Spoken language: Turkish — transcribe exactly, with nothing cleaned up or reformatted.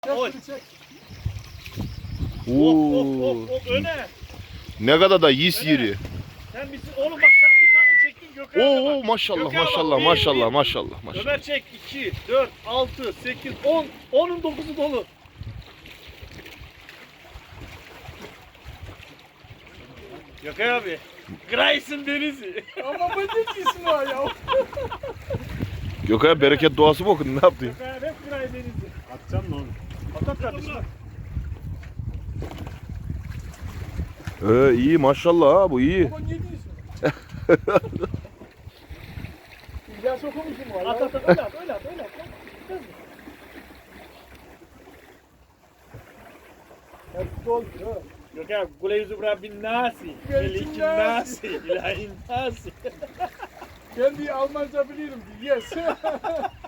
Oy. Oo. Of of of öne. Ne kadar da yis yeri. Sen misin? Oğlum bak sen bir tane çektin Gökhan'a Oo bak. maşallah Gökhan'a bak, maşallah bir, maşallah bir. maşallah maşallah. Ömer çek iki, dört, altı, sekiz, on. onun dokuzu dolu. Gökhan abi. Grayson Denizi. Ama bu ne diyorsun o ya? Gökhan bereket duası mı okudun, ne yaptın? Gökhan abi hep Gray Denizi. Atacağım mı onu? At at kardeşim. Ee, iyi maşallah ha, bu iyi. Ama ne diyorsun? İlyas okumuşum var. At at at öyle at öyle at öyle at. Hepsi doldu ha. Gökhan abi kule yüzü bırak bin nasi. Melikin Melikin nasi. nasi. İlahin nasi. Ben bir Almanca bilirim. Yes.